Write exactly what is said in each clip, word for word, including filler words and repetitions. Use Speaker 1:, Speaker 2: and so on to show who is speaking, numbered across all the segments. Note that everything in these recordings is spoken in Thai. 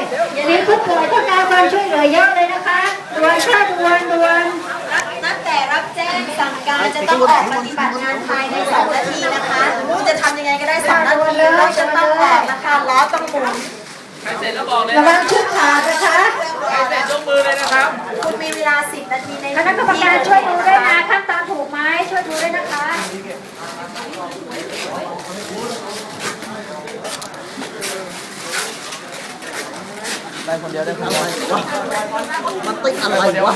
Speaker 1: อย่าลืมผู้ป่วยต้องการความช่วยเหลือเยอะเลยนะคะด่วนค่ะด่วนด่วน
Speaker 2: ตั้งแต่รับแจ้งสั่งการจะต้องออกปฏิบัติงานภายในสองนาทีนะคะรู้จะทำยังไงก็ได้สองนาทีเราจะต้องออกนะคะล้อต้องหมุน
Speaker 3: ใครเสร็จแล้วบอกเลย
Speaker 1: ระวังชุดขาดนะคะ
Speaker 3: ใครเสร็จยกมือเลยนะครับ
Speaker 2: คุณมีเวลาสิบนาทีใน
Speaker 1: คณะกรรมการช่วยดูด้วยนะขั้นตอนถูกไหมช่วยดูด้วยนะคะ
Speaker 4: ได้คนเดียวได้คนเดียวมันติดอะไรวะ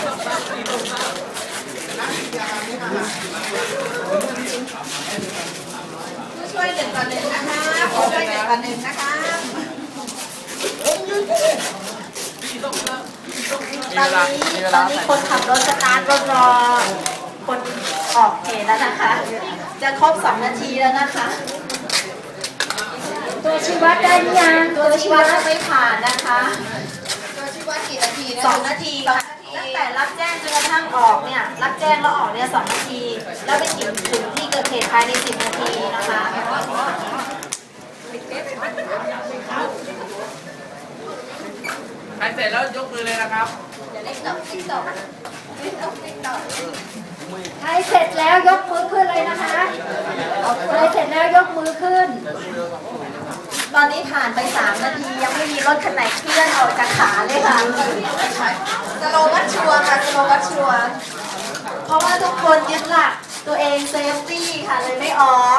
Speaker 2: ช่วยหนึ่งต่อหนึ่งนะคะช่วยหนึ่งต่อหนึ่งนะคะตอนนี้ตอนนี้คนขับรถสตาร์ทรถรอคนออกเหตุแล้วนะคะ จะครบสองนาทีแล้วนะคะ
Speaker 1: ตัวชี้วัดได้ยัง
Speaker 2: ตัวชี้วัดไม่ผ่านนะคะ
Speaker 5: ตัวชี้วัดกี่นาทีนะ
Speaker 2: สองนาทีค่ะตั้งแต่รับแจ้งจนกระทั่งออกเนี่ยรับแจ้งแล้วออกเนี่ยสองนาที แล้วไปถึงถึงที่เกิดเหตุภายในสิบนาทีนะคะ
Speaker 3: ใครเสร็จแล้วยกมือเลยนะครับ
Speaker 2: เดี๋ยวเล็กตกติ๊กตกติ๊กตกติ๊กตก
Speaker 1: ใครเสร็จแล้วยกมือขึ้นเลยนะคะใครเสร็จแล้วยกมือขึ้น
Speaker 2: ตอนนี้ผ่านไปสามนาทียังไม่มีรถคันไหนเคลื่อนออกจากขาเลยค่ะสโลวัตชัวร์ค่ะสโลวัตชัวร์เพราะว่าทุกคนยึดหลักตัวเองเซฟตี้ค่ะเลยไม่ออก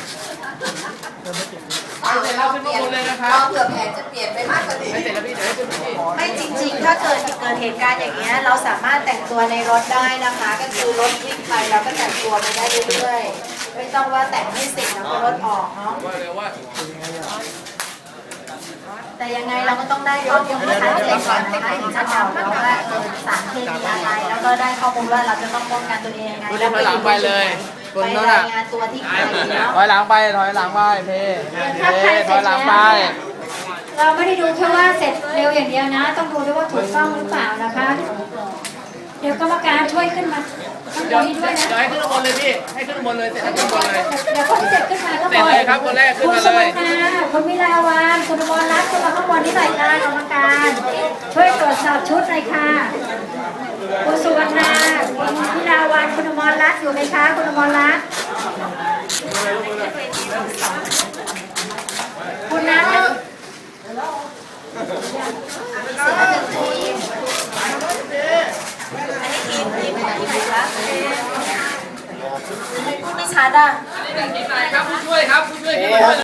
Speaker 3: ใครเสร็จแล้วขึ้นข้างบนเลยนะครับ
Speaker 5: เผื่อแผนจะเปลี่ยนไปมากกว่านี้
Speaker 3: ใครเสร็จแล้วพี่เดี๋ยวให้ขึ้นพี่
Speaker 2: ไม่จริงๆถ้าเกิดเกิดเหตุการณ์อย่างเงี้ยเราสามารถแต่งตัวในรถได้นะคะก็คือรถวิ่งไปเราก็แต่งตัวไปได้เรื่อยๆไม่ต้องว่าแต่งให้เสร็จแล้วก็รถออกเนาะ
Speaker 3: ว่าเลยว่า
Speaker 2: แต่ยังไงเราก็ต้องได้ข้อมูลที่ชัดเจนก่อนนะคะถึงจะบอกเราว่าสารเคมีอะไรแล้วก็ได้ข้อมูลว่าเราจะต้องป้องกันตัวเองยังไง
Speaker 3: แล้วไปหลังไปเลย
Speaker 2: ไปรายงานตัวที่ใครเนาะ
Speaker 4: ถอยหลังไปถอยหลังไปเพเพถอยหลังไป
Speaker 1: เราไม่ได้ดูแค่ว่าเสร็จเร็วอย่างเดียวนะต้องดูด้วยว่าถูกต้องหรือเปล่านะคะเดี๋ยวกรรมการช่วยขึ้นมาข้างบนนี้ด้วยนะ
Speaker 3: เดี๋ยวให้ขึ้นข้างบนเลยพี่ให้ขึ้นข้างบนเลยเสร็จแล้วขึ้นข้างบนเลย
Speaker 1: เดี๋ยวคนที่เสร็จขึ้นมาก็
Speaker 3: เสร็จเลยครับคนแรกขึ้นมาเลย
Speaker 1: คุณสุวรรณาคุณวิลาวันคุณอมรรัตน์ขึ้นมาข้างบนนี้หน่อยค่ะกรรมการช่วยตรวจสอบชุดหน่อยค่ะคุณสุวรรณาคุณวิลาวันคุณอมรรัตน์อยู่ไหมคะคุณอมรรัตน์คุณนัท
Speaker 2: เสร็จแล้วหนึ่งทีอันนี้ทีมทีมไหนที่ไหนคะพูดไม่ชัดอ่ะ
Speaker 3: ทีมไหนครับผู้ช่วยครับผู้ช่วย